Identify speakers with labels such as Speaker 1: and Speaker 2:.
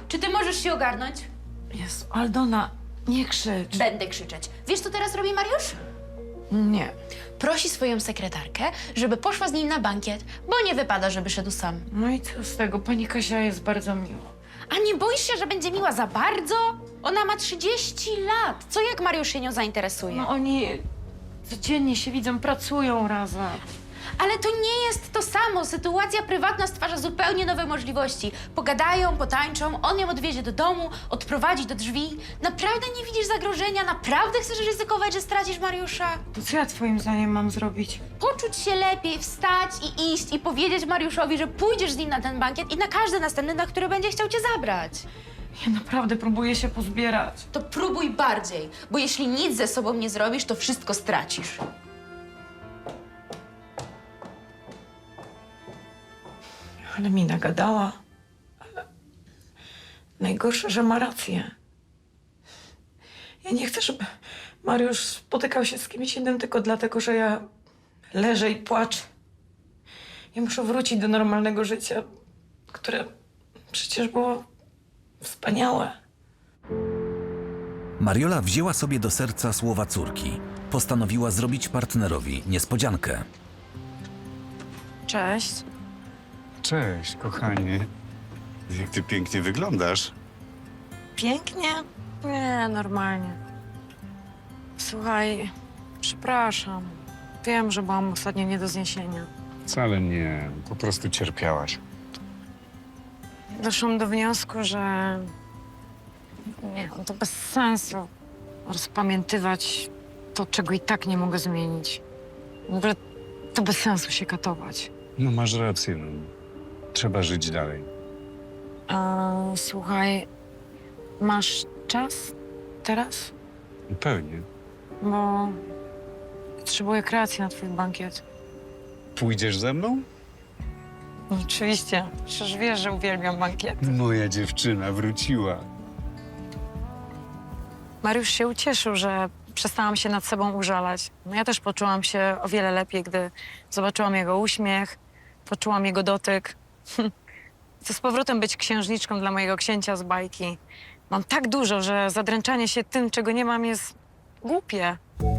Speaker 1: czy ty możesz się ogarnąć?
Speaker 2: Jezu, Aldona, nie krzycz.
Speaker 1: Będę krzyczeć. Wiesz, co teraz robi Mariusz?
Speaker 2: Nie.
Speaker 1: Prosi swoją sekretarkę, żeby poszła z nim na bankiet, bo nie wypada, żeby szedł sam.
Speaker 2: No i co z tego? Pani Kasia jest bardzo miła.
Speaker 1: A nie boisz się, że będzie miła za bardzo? Ona ma 30 lat. Co jak Mariusz się nią zainteresuje?
Speaker 2: No oni codziennie się widzą, pracują razem.
Speaker 1: Ale to nie jest to samo. Sytuacja prywatna stwarza zupełnie nowe możliwości. Pogadają, potańczą, on ją odwiezie do domu, odprowadzi do drzwi. Naprawdę nie widzisz zagrożenia? Naprawdę chcesz ryzykować, że stracisz Mariusza?
Speaker 2: To co ja twoim zdaniem mam zrobić?
Speaker 1: Poczuć się lepiej, wstać i iść i powiedzieć Mariuszowi, że pójdziesz z nim na ten bankiet i na każdy następny, na który będzie chciał cię zabrać.
Speaker 2: Ja naprawdę próbuję się pozbierać.
Speaker 1: To próbuj bardziej, bo jeśli nic ze sobą nie zrobisz, to wszystko stracisz.
Speaker 2: Ale mi nagadała. Ale najgorsze, że ma rację. Ja nie chcę, żeby Mariusz spotykał się z kimś innym tylko dlatego, że ja leżę i płaczę. Ja muszę wrócić do normalnego życia, które przecież było wspaniałe.
Speaker 3: Mariola wzięła sobie do serca słowa córki. Postanowiła zrobić partnerowi niespodziankę.
Speaker 2: Cześć.
Speaker 4: Cześć, kochanie. Jak ty pięknie wyglądasz.
Speaker 2: Pięknie? Nie, normalnie. Słuchaj, przepraszam. Wiem, że byłam ostatnio nie do zniesienia.
Speaker 4: Wcale nie, po prostu cierpiałaś.
Speaker 2: Doszłam do wniosku, że nie, no to bez sensu rozpamiętywać to, czego i tak nie mogę zmienić. W ogóle to bez sensu się katować.
Speaker 4: No masz rację, no. Trzeba żyć dalej.
Speaker 2: Słuchaj, masz czas teraz?
Speaker 4: Pewnie.
Speaker 2: Bo potrzebuję kreacji na twój bankiet.
Speaker 4: Pójdziesz ze mną?
Speaker 2: Oczywiście, przecież wiesz, że uwielbiam bankiety.
Speaker 4: Moja dziewczyna wróciła.
Speaker 2: Mariusz się ucieszył, że przestałam się nad sobą użalać. No ja też poczułam się o wiele lepiej, gdy zobaczyłam jego uśmiech, poczułam jego dotyk. Chcę z powrotem być księżniczką dla mojego księcia z bajki. Mam tak dużo, że zadręczanie się tym, czego nie mam, jest głupie.